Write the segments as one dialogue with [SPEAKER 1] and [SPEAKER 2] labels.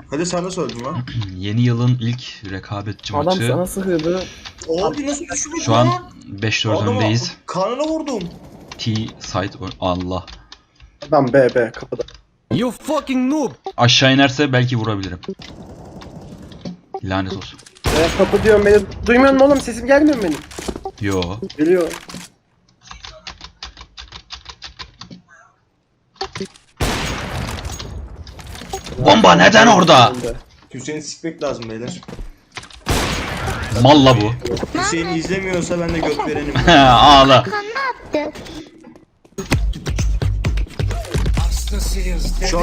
[SPEAKER 1] Hadi sen de söyledin lan.
[SPEAKER 2] Yeni yılın ilk rekabetçi
[SPEAKER 3] Adam
[SPEAKER 2] maçı.
[SPEAKER 3] sana sıkıyordu.
[SPEAKER 1] Abi nasıl düşmüş
[SPEAKER 2] Şu an 5-4 öndeyiz.
[SPEAKER 1] Karnına vurdum.
[SPEAKER 2] T-site Allah.
[SPEAKER 3] Adam B kapıda.
[SPEAKER 4] You fucking noob!
[SPEAKER 2] Aşağı inerse belki vurabilirim. Lanet olsun.
[SPEAKER 3] Kapı diyorum beni. Duymuyor musun oğlum? Sesim gelmiyor mu benim?
[SPEAKER 2] Yo.
[SPEAKER 3] Geliyor.
[SPEAKER 2] Bomba neden orada?
[SPEAKER 1] Hüseyin'i sikmek lazım beyler.
[SPEAKER 2] Malla bu.
[SPEAKER 1] Hüseyin izlemiyorsa ben de göt verenim.
[SPEAKER 2] Ağla.
[SPEAKER 1] Çok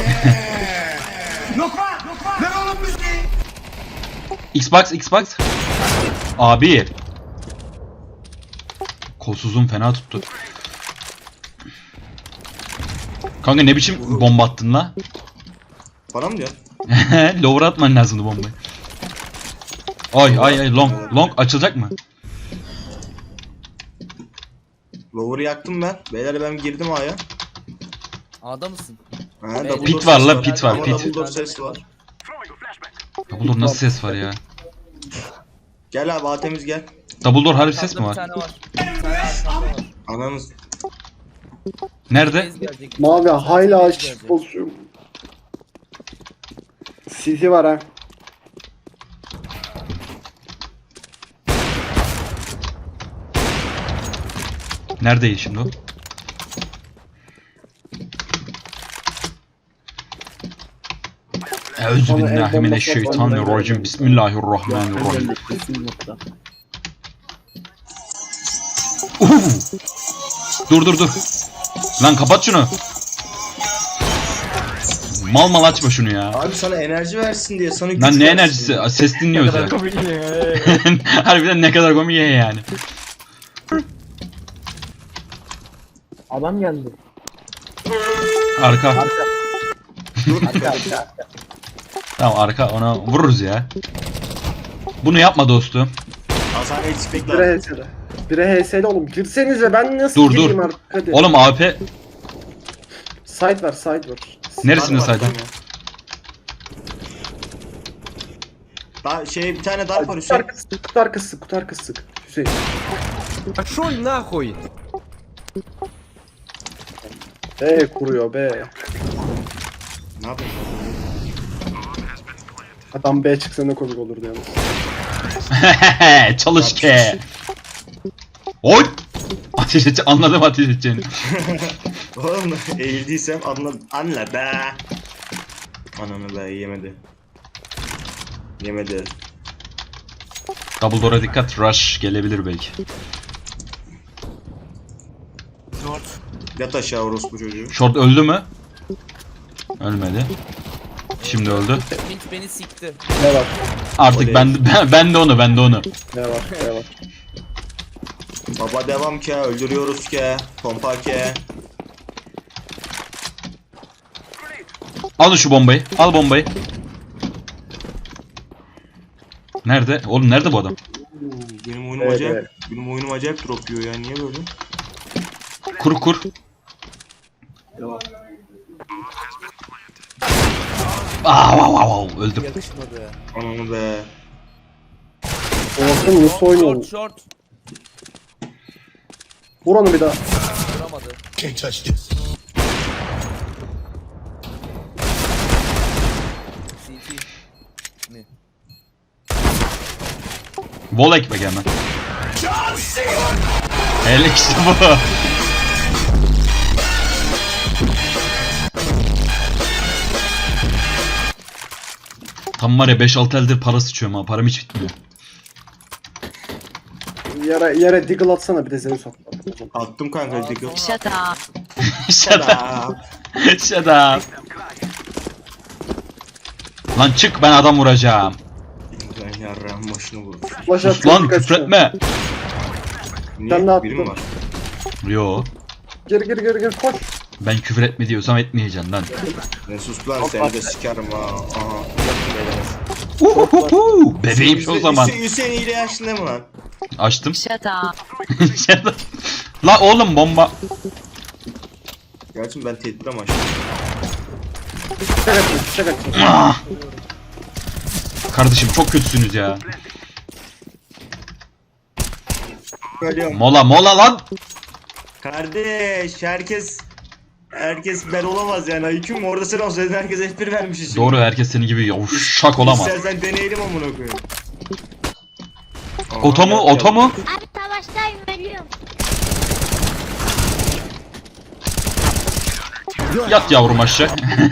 [SPEAKER 2] Xbox. Abi. Kolsuzum fena tuttu. Kanka ne biçim bomba attın la?
[SPEAKER 1] bana mı diyor?
[SPEAKER 2] Lower atman lazımdı bombayı. Ay long açılacak mı?
[SPEAKER 1] Lower'ı yaktım ben. Beyler ben girdim A'ya.
[SPEAKER 4] A'da mısın?
[SPEAKER 1] Ha,
[SPEAKER 4] Evet.
[SPEAKER 1] double
[SPEAKER 2] Pit
[SPEAKER 1] door
[SPEAKER 2] var
[SPEAKER 1] ses
[SPEAKER 2] la, pit var,
[SPEAKER 1] Ama
[SPEAKER 2] pit.
[SPEAKER 1] double door ses var.
[SPEAKER 2] Double door nasıl ses var ya?
[SPEAKER 1] Gel abi Atemiz gel.
[SPEAKER 2] Double door harbi ses mi
[SPEAKER 4] Bir
[SPEAKER 2] var?
[SPEAKER 4] tane var. Bir tane arkamda var.
[SPEAKER 1] Ananız.
[SPEAKER 2] Nerede?
[SPEAKER 4] Bez gelecek.
[SPEAKER 3] Mavi hala
[SPEAKER 4] Bez
[SPEAKER 3] açık
[SPEAKER 4] gelecek.
[SPEAKER 3] pozisyon. CT var ha.
[SPEAKER 2] Neredeydi şimdi o? Euzubillahimineşşeytanirracim. Bismillahirrahmanirrahim. Dur. Lan kapat şunu. Mal açma şunu ya.
[SPEAKER 1] Abi sana enerji versin diye sana güç
[SPEAKER 2] Lan ne
[SPEAKER 1] versin
[SPEAKER 2] enerjisi?
[SPEAKER 1] diye.
[SPEAKER 2] Ses dinliyoruz ya. Harbiden ne kadar komik yani.
[SPEAKER 3] Adam geldi.
[SPEAKER 2] Arka.
[SPEAKER 3] Arka.
[SPEAKER 2] Tamam arka, ona vururuz ya. Bunu yapma dostum.
[SPEAKER 1] Hasan el sikmek
[SPEAKER 3] Bire
[SPEAKER 1] lazım.
[SPEAKER 3] HS'de. Bire HS'de oğlum. Girsenize ben nasıl
[SPEAKER 2] Dur.
[SPEAKER 3] gireyim artık hadi.
[SPEAKER 2] Oğlum AP
[SPEAKER 3] Side var.
[SPEAKER 2] neresinde
[SPEAKER 1] Var,
[SPEAKER 2] saydın?
[SPEAKER 1] var. Daha bir tane darp var
[SPEAKER 3] Kutu
[SPEAKER 1] Hüseyin.
[SPEAKER 3] arkası, kutu arkası. Hüseyin.
[SPEAKER 4] Пошёл нахуй!
[SPEAKER 3] Kuruyor B.
[SPEAKER 1] Ne yapayım?
[SPEAKER 3] Adam B çıksa ne komik olurdu yalnız.
[SPEAKER 2] Çalış ke. Oy! Ateş edeceğim, anladım ateş edeceğini.
[SPEAKER 1] Oğlum eğildiysem anla be. Ananı be yemedi. Yemedi.
[SPEAKER 2] Double door'a dikkat, rush gelebilir belki.
[SPEAKER 1] Yat aşağı orospu çocuğu.
[SPEAKER 2] Short öldü mü? Ölmedi. Şimdi öldü.
[SPEAKER 4] Mint beni sikti.
[SPEAKER 3] Ne var?
[SPEAKER 2] Artık
[SPEAKER 1] Oley.
[SPEAKER 2] ben de onu.
[SPEAKER 3] Ne var?
[SPEAKER 1] Baba devam ke, öldürüyoruz ke, pompa ke.
[SPEAKER 2] Al şu bombayı. Al bombayı. Nerede? Oğlum nerede bu adam?
[SPEAKER 1] Benim oyunum
[SPEAKER 3] Evet,
[SPEAKER 1] acayip.
[SPEAKER 3] evet.
[SPEAKER 1] Benim oyunum acayip drop yiyor ya. Niye böyle?
[SPEAKER 2] Kur. Wow, öldüm.
[SPEAKER 4] Yakışmadı.
[SPEAKER 1] Ananı be.
[SPEAKER 3] Olsun nasıl oynuyor?
[SPEAKER 4] Short.
[SPEAKER 3] Vur onu bir daha.
[SPEAKER 4] Vuramadı. CT. Ne?
[SPEAKER 2] Wall ekmek hemen. Hele işte bu. Tam var ya 5-6 eldir para sıçıyorum ha. Param hiç bitmiyor.
[SPEAKER 3] Yere deagle atsana bir de Zeus at.
[SPEAKER 1] Attım kanka diggle.
[SPEAKER 5] Shut up.
[SPEAKER 2] Shut up. Shut up. Lan çık, ben adam vuracağım.
[SPEAKER 1] Ben yarrağın başını vurur.
[SPEAKER 3] Flash
[SPEAKER 2] Sus
[SPEAKER 3] at,
[SPEAKER 2] lan,
[SPEAKER 3] kaçıyor.
[SPEAKER 2] küfretme.
[SPEAKER 1] Niye?
[SPEAKER 3] Ben de attım.
[SPEAKER 1] Biri mi var?
[SPEAKER 2] Yo.
[SPEAKER 3] Gir koş.
[SPEAKER 2] Ben küfür etme diyorsam etmeyeceksin lan.
[SPEAKER 1] Ne sus lan seni de sikerim ha. Aha.
[SPEAKER 2] Bebeğim şu o zaman.
[SPEAKER 1] Hüseyin ile yaşlı mı lan?
[SPEAKER 2] Açtım.
[SPEAKER 5] Shut up.
[SPEAKER 2] Shut up. La oğlum bomba.
[SPEAKER 1] Gerçi ben tedbir amaçlı.
[SPEAKER 3] Çek at.
[SPEAKER 2] Ah! Kardeşim çok kötüsünüz ya.
[SPEAKER 1] Ölüyorum.
[SPEAKER 2] Mola lan.
[SPEAKER 1] Kardeş herkes ben olamaz yani. IQ'm orada sen olsaydın herkes F1 vermiş için.
[SPEAKER 2] Doğru, herkes senin gibi yavşak olamaz.
[SPEAKER 1] İstersen deneyelim amına koyayım.
[SPEAKER 2] Oto mu? Oto mu?
[SPEAKER 5] Abi savaştayım ölüyorum.
[SPEAKER 2] Yat yavrum aşağı.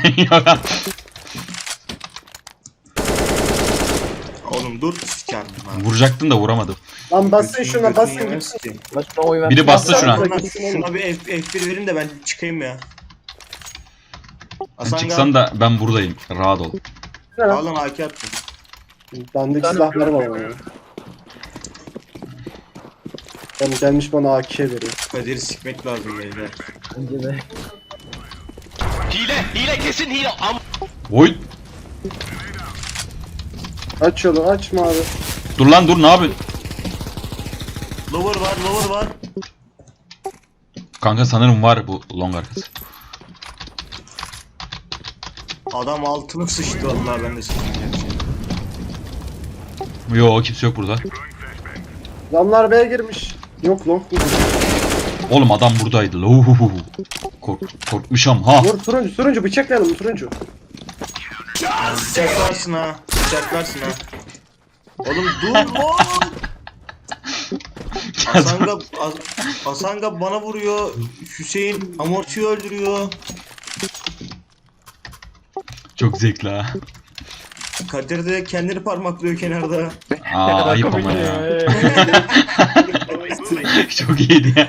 [SPEAKER 1] Oğlum dur sikerim lan.
[SPEAKER 2] Vuracaktın da vuramadım.
[SPEAKER 3] Lan basın şuna basın gitsin.
[SPEAKER 4] Başına oy ver.
[SPEAKER 2] Biri bastı şuna.
[SPEAKER 1] Şuna bir F1 verin de ben çıkayım ya.
[SPEAKER 2] Sen
[SPEAKER 1] Hasan
[SPEAKER 2] çıksan da ben buradayım. Rahat ol.
[SPEAKER 3] Ne lan?
[SPEAKER 1] Al lan AK attım.
[SPEAKER 3] Dandik silahları var ama ya. Yani gelmiş bana AK veriyor.
[SPEAKER 1] Kadir'i sikmek lazım beyler.
[SPEAKER 6] Hile kesin hile.
[SPEAKER 2] Oy.
[SPEAKER 3] Aç yolu açma abi.
[SPEAKER 2] Dur lan dur, ne yapıyorsun?
[SPEAKER 1] Lower var.
[SPEAKER 2] Kanka sanırım var bu long arkası.
[SPEAKER 1] Adam altını sıçtı vallahi ben de sıçtım.
[SPEAKER 2] Yo, kimse yok burada.
[SPEAKER 3] Adamlar B'ye girmiş. Yok long mu?
[SPEAKER 2] Oğlum adam buradaydı. Lohuhuhu. Korkmuşam ha.
[SPEAKER 3] Dur turuncu bıçaklayalım turuncu.
[SPEAKER 1] Bıçaklarsın ha. Oğlum dur lan. Asanga bana vuruyor. Hüseyin Amorti'yi öldürüyor.
[SPEAKER 2] Çok zevkli ha.
[SPEAKER 1] Kadir de kendini parmaklıyor kenarda.
[SPEAKER 2] Aa, ayıp ama ya. Çok iyiydi ya.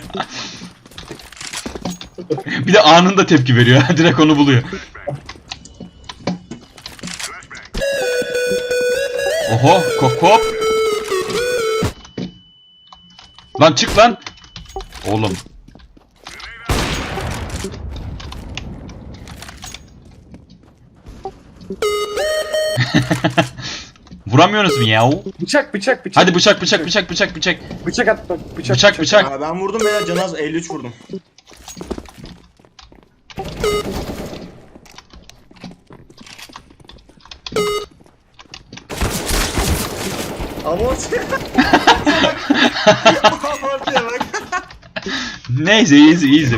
[SPEAKER 2] Bir de anında tepki veriyor. Direkt onu buluyor. Oho, kop. Lan çık lan. Oğlum. Vuramıyorsunuz mu ya?
[SPEAKER 3] Bıçak.
[SPEAKER 2] Hadi bıçak.
[SPEAKER 3] Bıçak at bak.
[SPEAKER 2] Bıçak.
[SPEAKER 1] Aa, ben vurdum beyler Canaz 53 vurdum. Amorti. Amorti'ye bak.
[SPEAKER 2] Neyse easy.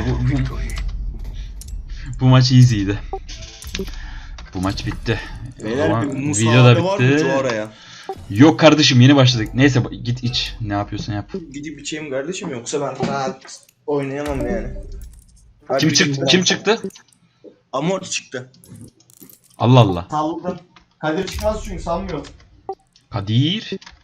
[SPEAKER 2] Bu maç easy'ydi. Bu maç bitti. O
[SPEAKER 1] Beyler
[SPEAKER 2] zaman
[SPEAKER 1] bir
[SPEAKER 2] video da
[SPEAKER 1] musabede var mı
[SPEAKER 2] bitti.
[SPEAKER 1] oraya?
[SPEAKER 2] Yok kardeşim, yeni başladık. Neyse git iç. Ne yapıyorsun yap.
[SPEAKER 1] Gidip içeyim kardeşim yoksa ben rahat oynayamam yani.
[SPEAKER 2] Kim çıktı?
[SPEAKER 1] Amorti çıktı.
[SPEAKER 2] Allah Allah.
[SPEAKER 1] Salladım. Kadir çıkmaz çünkü sanmıyorum.
[SPEAKER 2] Kadir.